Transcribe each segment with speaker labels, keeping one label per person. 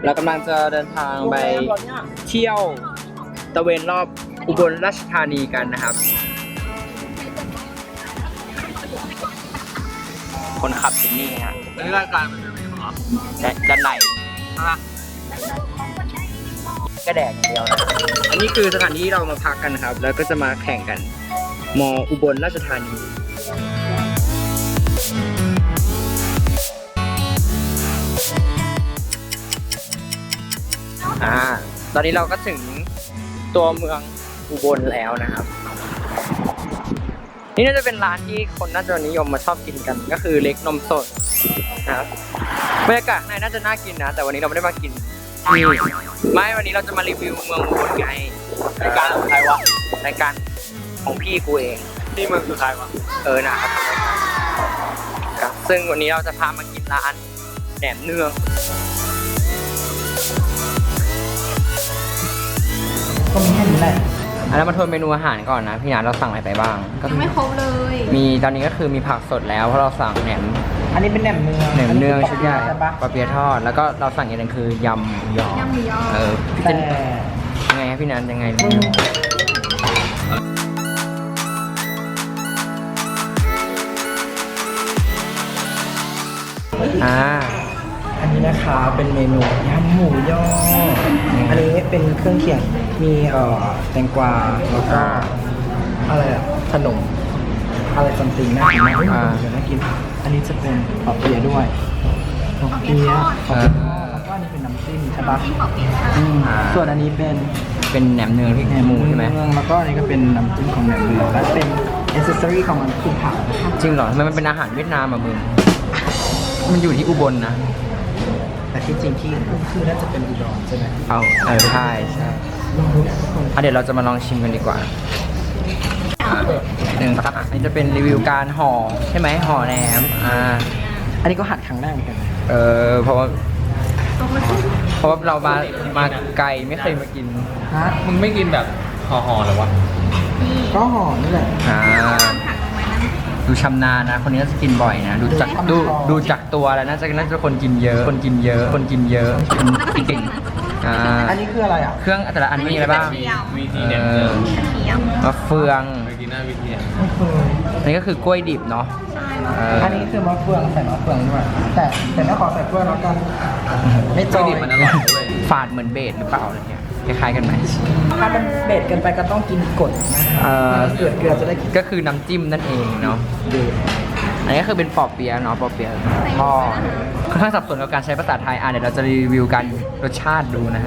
Speaker 1: เรากำลังจะเดินทางไปเที่ยวตะเวนรอบอุบลราชธานีกันนะครับ คนขับที่นี่ฮะ
Speaker 2: อันนี้รายการมันเป็นยังไงเหรอ
Speaker 1: ด้านใน
Speaker 2: ฮะ
Speaker 1: ก็แดดอย่างเดียวนะอันนี้คือสถานที่เรามาพักกันครับ แล้วก็จะมาแข่งกันมอุบลราชธานีตอนนี้เราก็ถึงตัวเมืองอุบลแล้วนะครับ นี่น่าจะเป็นร้านที่คนน่าจะนิยมมาชอบกินกันก็คือเล็กนมสดนะครับบรรยากาศในน่าจะน่ากินนะแต่วันนี้เราไม่ได้มากินนี่ไม่วันนี้เราจะมารีวิวเมืองอุบลไงรายการของใครวะรายการของพี่กูเอง
Speaker 2: นี่มันคือใครวะ
Speaker 1: นะครับครับซึ่งวันนี้เราจะพามากินร้านแหนมเนืองก็มีแค่นี้แหละอันนั้นมาทวนเมนูอาหารก่อนนะพี่นัทเราสั่งอะไรไปบ้าง
Speaker 3: ยังไม่ครบเลย
Speaker 1: มีตอนนี้ก็คือมีผักสดแล้วเพราะเราสั่งแหนม
Speaker 4: อันนี้เป็นแหนมเนือง
Speaker 1: แหนมเนืองชุดใหญ่
Speaker 4: ใช่ปะ
Speaker 1: ปลาเปียะทอดแล้วก็เราสั่งอย่างหนึงคือยำหมูยอย
Speaker 3: ำหมูยอ
Speaker 1: พี่
Speaker 4: แต่
Speaker 1: เจนยังไงครับพี่นัทยังไง
Speaker 4: อันนี้นะคะเป็นเมนูยำหมูยออันนี้เป็นเครื่องเคียงมีแตงกวาแล้วก็อะไรขนมอะไรซัมติงน่ากินมากเดี๋ยวน่ากินอันนี้จะเป็นปอเปี๊ยะด้วยปอเปี๊ยะแล้วก็อันนี้เป็นน้ำจิ้มใช่ปะส่วนอันนี้เป็น
Speaker 1: แหนมเนืองที่หมูใช่ไหม
Speaker 4: แล้วก็อันนี้ก็เป็นน้ำจิ้มของแหนมเนืองและเป็นอิสเซอรี่ของมันคือผักนะคะ
Speaker 1: จริงเหรอทำไมมันเป็นอาหารเวียดนามอ่ะมึงมันอยู่ที่อุบลนะ
Speaker 4: แต่ที่จริงที่คือน่าจะเป็นอุดรใช่ไหม
Speaker 1: ใช่
Speaker 4: ลองดูนะทุกคน
Speaker 1: เดี๋ยวเราจะมาลองชิมกันดีกว่าหนึ่งครับอันนี้จะเป็นรีวิวการห่อใช่ไหมห่อแหนม
Speaker 4: อันนี้ก็หัดครั้งแรกเหมือนกันนะ
Speaker 1: เพราะว่าเรามาไกลไม่เคยมากิน
Speaker 4: ฮะ
Speaker 2: มึงไม่กินแบบห่อๆหรอวะ
Speaker 4: ก็ห่อนี่แหละ
Speaker 1: ดูชำนาญนะคนนี้น่าจะกินบ่อยนะดูจากตัวแล้วน่าจะคนกินเยอะคนกินเยอะกินเก่ง
Speaker 4: อันนี้คืออะไรอ่ะ
Speaker 1: เครื่องแต่ละอันมีอะไรบ้าง
Speaker 2: วิธีเนี่ย
Speaker 1: มะเฟือง
Speaker 2: วิธีหน้าวิธี
Speaker 4: ไม่เคย
Speaker 1: อันนี้ก็คือกล้วยดิบเนาะ
Speaker 4: อันนี้คือมะเฟืองใส่มะเฟืองด้วยแต่ไม่ขอใส่กล้วยแล้วกันไม่จอย
Speaker 2: มันอร่อยด้วย
Speaker 1: ฝาดเหมือนเบสหรือเปล่าอะไรเงี้ยคล้ายๆกันไหม
Speaker 4: ถ้ามันเบ็ดเกินไปก็ต้องกินกดนะครับเกลือจะได้กิน
Speaker 1: ก็คือน้ำจิ้มนั่นเองเนาะอันนี้ก็คือเป็นปอเปี๊ยะเนาะปอเปี๊ยะทอดค่อนข้างสับสนกับการใช้ภาษาไทยเดี๋ยวเราจะรีวิวกันรสชาติดูนะฮะ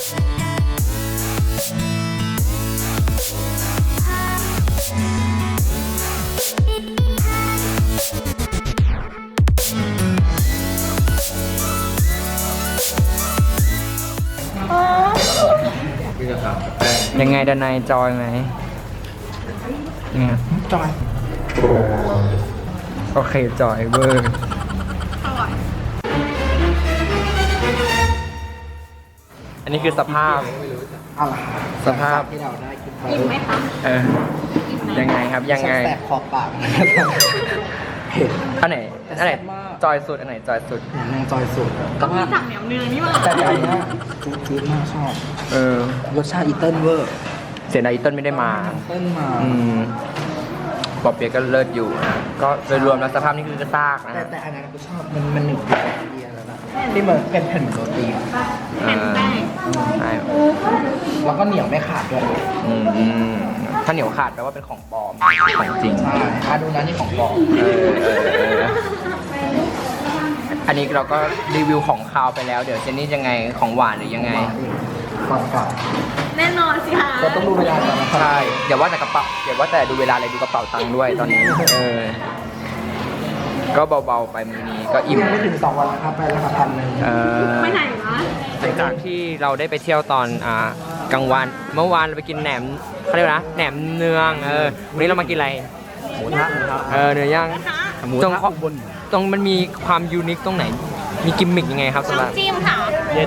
Speaker 2: พี่จะถามแป้ง
Speaker 1: ยังไงดนายจอยไหมยังไง
Speaker 4: จอย
Speaker 1: โอเคจอยเวอร์อันนี้คือสภาพ
Speaker 4: เอาล่ะ
Speaker 1: สภาพ
Speaker 4: ที่เราได้กินไป
Speaker 3: อิ่มไหมคะ
Speaker 1: ยังไงครับยังไง
Speaker 4: แสบขอบปากเผ็ด
Speaker 1: อันไหน
Speaker 4: แซ่บมาก
Speaker 1: จอยสุดอันไหนจอยสุด
Speaker 4: แหนมเนืองจอยสุด
Speaker 3: ก็มีสั่งแหนมเนืองนี่หว่า
Speaker 4: แต่อันเนี้ยจี๊ดมากชอบ รสชาติอีเติ้ลเวอร์
Speaker 1: เสียดายอีเติ้ลไม่ได้มา
Speaker 4: เติ้ลมา
Speaker 1: ปอเปี๊ยะก็เลิศอยู่นะก็โดยรวมแล้วสภาพนี่คือกระซากนะ
Speaker 4: แต่อันนั้นกูชอบมันหนึบกว่าเบียร์แล้วนะที่มันเป็นแผ่นเหมือนโรตีอะ
Speaker 3: แผ่นแป้ง
Speaker 1: ใช่
Speaker 4: แล้วก็เหนียวไม่ขาดด้วย
Speaker 1: ถ้าเหนียวขาดแปลว่าเป็นของปลอมของจริง
Speaker 4: ใช่ดูนะนี่ของปลอม
Speaker 1: อันนี้เราก็รีวิวของคาวไปแล้วเดี๋ยวเจนนี่ยังไงของหวานหรือยังไง
Speaker 4: ก่อน
Speaker 3: แน่นอนสิคะ
Speaker 4: เราต้องดูเวลาก่อนนะครับ
Speaker 1: ใช่อย่าว่าแต่กระเป๋าอย่าว่าแต่ดูเวลาเลยดูกระเป๋าตังค์ด้วยตอนนี้ก็เบาๆไปมื้อนี้ก็อิ่ม
Speaker 4: ยังไม่ถึง2 วันนะครับไปราคา1,000
Speaker 3: ไปไหนวะ
Speaker 1: หลังจากที่เราได้ไปเที่ยวตอนกลางวันเมื่อวานเราไปกินแหนมเขาเรียกว่านะแหนมเนืองวันนี้เรามากินอะไรหมูทะเนื้อย่างตรงมันมีความยูนิคตรงไหนมีกิมมิคยังไงครับสำหรับ
Speaker 3: น้ำจิ้มค่ะ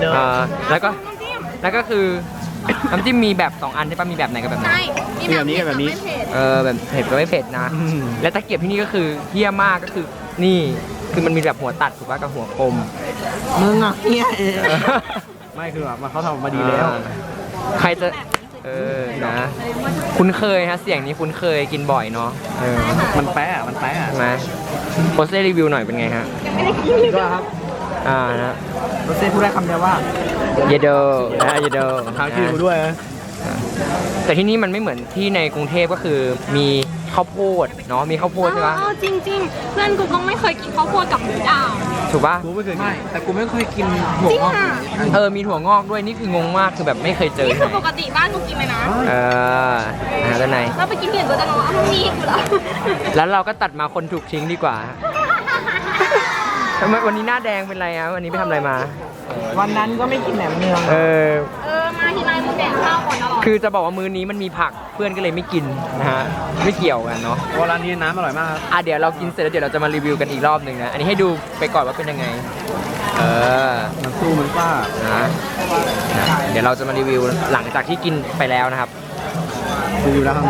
Speaker 1: แล้วก็คือน้ำจิ้มมีแบบ2 อันใช่ปะมีแบบไหนกับแบบไหน
Speaker 3: ใช่ มีแบบนี้กับไม่เผ็ด
Speaker 1: แบบเผ็ดกับไม่เผ็ดนะ และตะเกียบที่นี่ก็คือเฮี้ยมากก็คือนี่คือมันมีแบบหัวตัดถูกป่ะกับหัวกลม
Speaker 4: มึงอ่ะเฮียเอง
Speaker 2: ไม่คือแบบเขาทำมาดีแล้ว
Speaker 1: ใครจะนะ คุ้นเคยฮะเสียงนี้คุ้นเคยกินบ่อยเนาะ
Speaker 2: มันแป๊ะมันแป๊ะ
Speaker 1: ใช่ไหมโพสเซ่รีวิวหน่อยเป็นไงฮะ
Speaker 2: ก็ครับ
Speaker 1: นะ
Speaker 4: รถเซ่พูดได้คำเดียวว่า
Speaker 1: เยเดอนะเยเดอ
Speaker 2: ทางชื่อกูด้วยนะ
Speaker 1: แต่ที่นี่มันไม่เหมือนที่ในกรุงเทพก็คือมีข้าวโพดเนาะมีข้าวโพดใช่ปะ
Speaker 3: จริงๆ เพื่อนกูต้องไม่เคยกินข้าวโพดกับหมูดาว
Speaker 1: ถูกปะ
Speaker 2: กูไม่เคย
Speaker 4: ไม่ แต่กูไม่เคยกิน
Speaker 3: จริงอ่ะ
Speaker 1: มีถั่วงอกด้วยนี่คืองงมากคือแบบไม่เคยเจอ
Speaker 3: นี่คือปกติบ้านกูกินเลยนะ
Speaker 1: ด้านใน
Speaker 3: แล้วไปกินที่อื่นก็จะงงว่ามันมีกูเหรอ
Speaker 1: แล้วเราก็ตัดมาคนถูกทิ้งดีกว่าทำไมวันนี้หน้าแดงเป็นไรอะวันนี้ไปทำอะไรมา
Speaker 4: วันนั้นก็ไม่กินแหนมเนือง
Speaker 3: มาทีไรมึงแดกข้าวก่อนตลอด
Speaker 1: คือจะบอกว่ามื้อนี้มันมีผักเพื่อนก็เลยไม่กินนะฮะไม่เกี่ยวกันเนาะ
Speaker 2: เพราะร้านนี้น้ำอร่อยมากครับ
Speaker 1: เดี๋ยวเรากินเสร็จแล้วเดี๋ยวเราจะมารีวิวกันอีกรอบหนึ่งนะอันนี้ให้ดูไปก่อนว่าเป็นยังไง
Speaker 2: มันสู้มันซ่า
Speaker 1: นะเดี๋ยวเราจะมารีวิวหลังจากที่กินไปแล้วนะครับ
Speaker 2: ดูอยู่แล้วครับ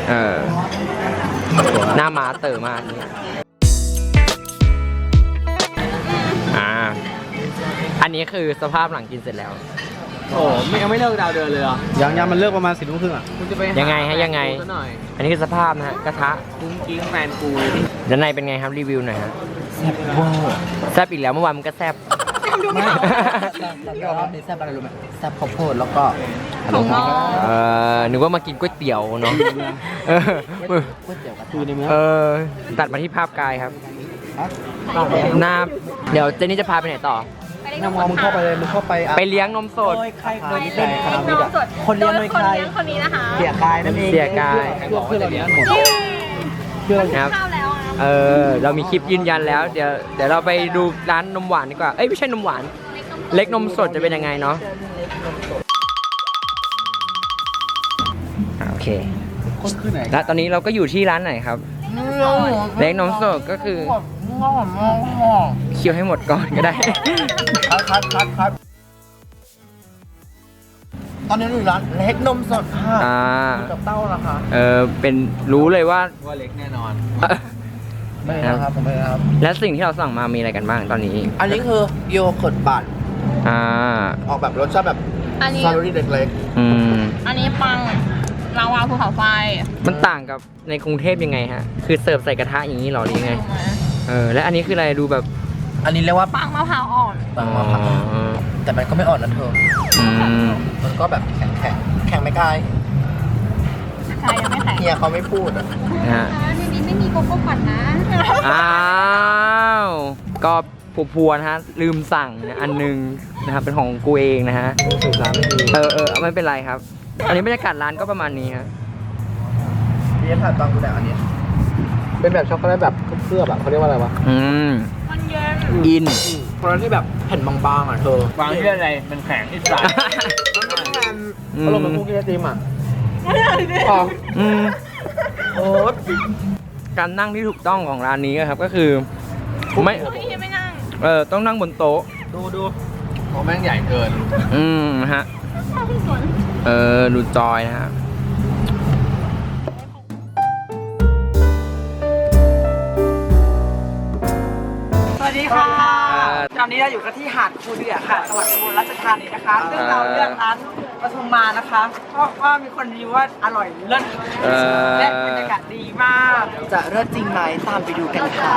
Speaker 1: หน้าม้าเต๋อมากนี่อันนี้คือสภาพหลังกินเสร็จแล้ว
Speaker 2: โอ้ยังไม่เลิกดาวเดินเลยเหรอยังมันเลิกประมาณ10 โมงครึ่งอ่ะคุณจะไป
Speaker 1: ยังไงฮะยังไง อันนี้คือสภาพนะฮะกระทะ
Speaker 2: กุ้งกิ้งแฟนกูเลย
Speaker 1: ด้านในเป็นไงครับรีวิวหน่อยฮะแซบอีกแล้วเมื่อวานมันก็แซบ
Speaker 4: ไม่แต่ยอมรับในแซ่บอะไรรู้ไหมแซ่บข้าวโพดแล้วก็
Speaker 3: ของน้อง
Speaker 1: นึกว่ามากินก๋วยเตี๋ยวเนาะ
Speaker 4: ก๋วยเตี๋ยวกระ
Speaker 2: คือ
Speaker 4: ทะ
Speaker 2: ในเมือง
Speaker 1: ตัดมาที่ภาพกายครับ
Speaker 4: ปากแดง
Speaker 1: หน้าเดี๋ยวเจนนี่จะพาไปไหนต่อ
Speaker 4: น้ำมองมึงเข้าไปเลยมึงเข้าไป
Speaker 1: ไปเลี้ยงนมสด
Speaker 4: โดยใครเคย
Speaker 3: เลี้ยงน้องสด
Speaker 4: คนเลี้ยงโดยใคร
Speaker 3: คนนี้นะคะ
Speaker 4: เสียกายนั่นเอง
Speaker 1: เสียกาย
Speaker 4: เพื่อเราเลี้ยงหมดเพื่อเรา
Speaker 1: นะครับ
Speaker 3: ข้าวแล้วอ่ะ
Speaker 1: เรามีคลิปยืนยันแล้ว เดี๋ยวเราไปดูร้านนมหวานดีกว่า เอ้ยไม่ใช่นมหวาน เล็กนมสดจะเป็นยังไงเนาะโอเค
Speaker 4: คนคือไหน
Speaker 1: และตอนนี้เราก็อยู่ที่ร้านไหนครับ เล็กนมสดก็คือเคี่ยวให้หมดก่อนก็ได้
Speaker 4: ครับตอนนี้เราอยู่ร้านเล็กนมสดค่ะกับเต้าละค่ะ
Speaker 1: เป็นรู้เลยว่า
Speaker 2: ว่าเล็กแน่นอน
Speaker 4: ไม่นะครับผมไม่นะครับ
Speaker 1: และสิ่งที่เราสั่งมามีอะไรกันบ้างตอนนี้
Speaker 4: อันนี้คือโยเกิร์ตบัต ออกแบบรสชาติแบบ
Speaker 3: อันนี้
Speaker 4: ซาลูรี่เล็ก
Speaker 3: อันนี้ปังลาวาภูเขาไฟ
Speaker 1: มันต่างกับในกรุงเทพยังไงฮะ คือเสิร์ฟใส่กระทะอย่างนี้หรอหรือยังไง และอันนี้คืออะไรดูแบบ
Speaker 4: ๆอันนี้เรียกว่า
Speaker 3: ปังมะพร้าวอ่อน
Speaker 4: ปังมะพร้าวแต่มันก็ไม่อ่อนนะเธอ มันก็แบบแข็งไม่กาย
Speaker 3: ใช่ยังไม่แข็ง
Speaker 4: เฮียเขาไม่พูดอ่ะ
Speaker 1: นะฮะ
Speaker 3: ในนี้ไม่มีโกโก้ปั่นนะ
Speaker 1: อ้าว ก็พัวๆนะฮะ ลืมสั่งนะอันนึงนะครับ เป็นของกูเองนะฮะ
Speaker 2: สื่อสารไม่ดี
Speaker 1: ไม่เป็นไรครับ อันนี้บรรยากาศร้านก็ประมาณนี้ฮะ
Speaker 4: พี่จะถ่ายตอนกูแดกอันนี้เป็นแบบช็อกโกแลตแบบเคลือบแบบเขาเรียกว่าอะไรวะ
Speaker 3: มันเย็น
Speaker 1: อิน
Speaker 4: เพราะที่แบบแผ่นบางๆอ่ะเธอ
Speaker 2: วางที่อะไรมันแข็งที่สาย
Speaker 4: อารมณ์เหมือนคุกกี้ไอติมอ่ะ โอ๊ต
Speaker 1: การนั่งที่ถูกต้องของร้านนี้ครับก็คือไม่
Speaker 3: พี่ไม่นั่ง
Speaker 1: ต้องนั่งบนโต๊ะ
Speaker 2: ดูโอ้แม่งใหญ่เกิน
Speaker 1: ฮะดูจอยนะฮะ
Speaker 4: สวัสดีค่ะตอนนี้เราอยู่กันที่หาดคูเดือค่ะจังหวัดอุบลราชธานีนะคะ ซึ่งเราเลือกร้านปทุมมานะคะ เพราะว่ามีคนรีวิวว่าอร่อยเลิศและบรรยากาศดีมาก จะเลิศจริงไหมตามไปดูกันค่ะ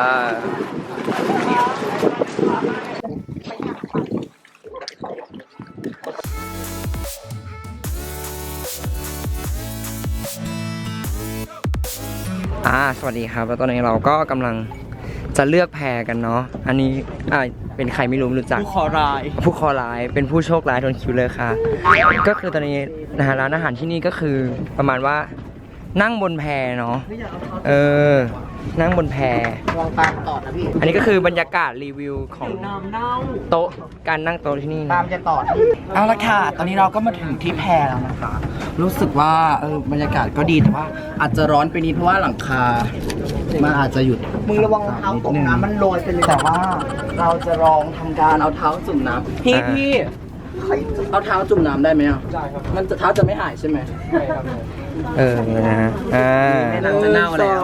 Speaker 1: สวัสดีครับ แล้วตอนนี้เราก็กำลังจะเลือกแพรกันเนาะ อันนี้เป็นใครไม่รู้รู้จัก
Speaker 4: ผู้ขอราย
Speaker 1: ผู้คอร้ายเป็นผู้โชคร้ายโดนคิวเลยค่ะ ก็คือตอนนี้นะฮะร้านอาหารที่นี่ก็คือประมาณว่านั่งบนแพเนาะนั่งบนแพ
Speaker 4: วางตามต่อนะพี่
Speaker 1: อันนี้ก็คือบรรยากาศรีวิวของ
Speaker 4: น้ำเน่า
Speaker 1: โต๊ะการนั่งโต๊ะที่นี่
Speaker 4: ตามจะต่อเอาละค่ะ ตอนนี้เราก็มาถึงที่แพแล้วนะคะ รู้สึกว่าบรรยากาศก็ดีแต่ว่าอาจจะร้อนไปนิดเพราะว่าหลังคา มันอาจจะหยุดมึงระวังเท้าตกน้ำมันโรยไปเลยแต่ว่าเราจะลองทำการเอาเท้าจุ่มน้ำพี่เอาเท้าจุ่มน้ำได้ไหมอ่ะได้ครับมันจะเท้าจะไม่หายใช่ไหมใช่ครับ
Speaker 1: นะฮะ
Speaker 4: หนังจะเน่าแล้ว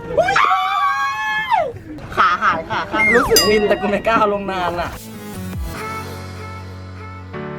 Speaker 4: ขาหายค่ะรู้สึกวินแต่กูไม่กล้าลงนานอ่ะ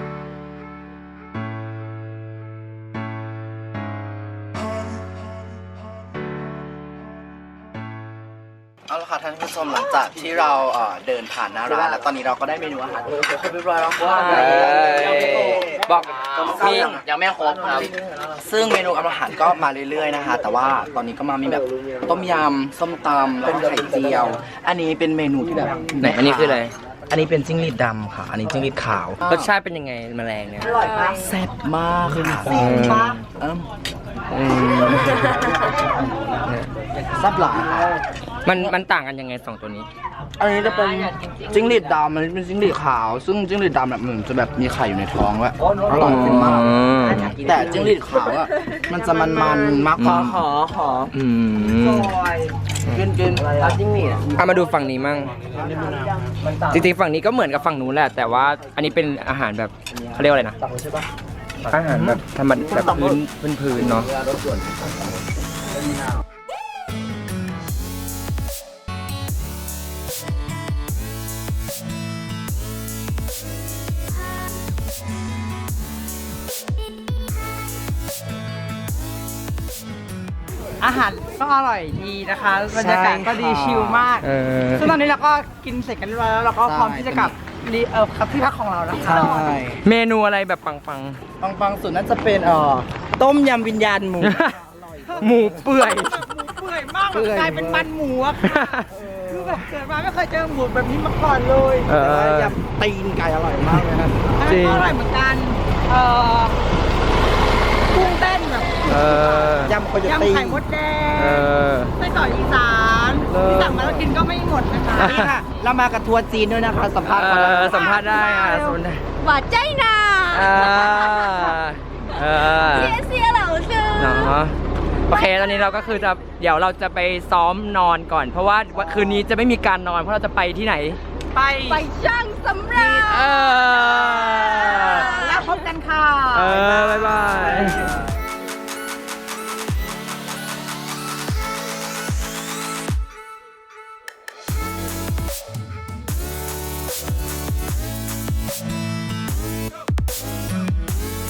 Speaker 4: เอาละค่ะท่านผู้ชมหลังจากที่เราเดินผ่านหน้าร้านแล้วตอนนี้เราก็ได้เมนูอาหารครบเรียบร้อยแล้วค่ะ
Speaker 1: บอกมี
Speaker 4: ยังไม่ครบครับซึ่งเมนูอาหารก็มาเรื่อยๆนะคะแต่ว่าตอนนี้ก็มามีแบบต้มยำส้มตำแล้วก็ไข่เจียว อันนี้เป็นเมนูที่แบบ
Speaker 1: ไหนอันนี้คืออะไร
Speaker 4: อันนี้เป็นจิ้งหรีดดำค่ะ อันนี้จิ้งหรีดขาว
Speaker 1: รสชาติเป็นยังไงแมลงเนี่ย
Speaker 4: แซ่บมากค่ะ
Speaker 1: อืม อืม
Speaker 4: แซ่บหลายค่ะ
Speaker 1: มันต่างกันยังไงสองตัวนี้
Speaker 4: อันนี้จะเป็นจิ้งหรีดดำอันนี้เป็นจิ้งหรีดขาว ซึ่งจิ้งหรีดดำแบบเหมือนจะแบบมีไข่อยู่ในท้องด้วยอร่อยขึ้นมาก แต่จิ้งหรีดขาวอ่ะมันจะมันๆมากกว่าขอ
Speaker 1: อืม
Speaker 4: กินเอาจิ้งหรีด
Speaker 1: เอามาดูฝั่งนี้มั่งจริงๆฝั่งนี้ก็เหมือนกับฝั่งนู้นแหละ แต่ว่าอันนี้เป็นอาหารแบบเขาเรียกว่าอะไรนะอาหารแบบธรรมดาแบบพื้นเนาะ
Speaker 2: อาหารก็อร่อยดีนะคะบรรยากาศก็ดีชิลมาก ซึ่งตอนนี้เราก็กินเสร็จกันเรียบร้อยแล้วเราก็พร้อมที่จะกลับที่พักของเราแล้วค่ะ
Speaker 4: ใช่
Speaker 1: เมนูอะไรแบบปัง
Speaker 4: ปังๆสุดน่าจะเป็นต้มยำวิญญาณหมู
Speaker 1: ๆ หมูเปื่อย
Speaker 2: เปื่อยมากแบบกลายเป็นมันหมูอะค่ะคือแบบเกิดมาไม่เคยเจอหมูแบบนี้มาก่อนเลย
Speaker 1: เออ
Speaker 4: แต่ว่ายำตีนไก่อร่อยมากเลยครับ
Speaker 1: จริง
Speaker 2: อร่อยเหมือนกันกุ้งเต้นแบบ
Speaker 4: ยำโคโย
Speaker 2: ยำ
Speaker 4: ตี
Speaker 2: ไข่มดแด
Speaker 1: เอง อ
Speaker 2: ไส้กรอกอีสานที่สั่งมาแล้วกินก็ไม่หมดนะคะ
Speaker 4: นี่ค่ะ เรามากับทัวร์จีนด้วยนะคะสัมภาษณ์ก่อน
Speaker 1: สัมภาษณ์ได้สัมภาษณ์ได้
Speaker 3: หวานใจนา เสียเหล่าซื้อ
Speaker 1: เนาะโอเคตอนนี้เราก็คือเดี๋ยวเราจะไปซ้อมนอนก่อน เพราะว่าคืนนี้จะไม่มีการนอนเพราะเราจะไปที่ไหน
Speaker 2: ไป
Speaker 3: ช่างสำราญ
Speaker 2: แล้วพบกันค่ะ
Speaker 1: บ๊ายบาย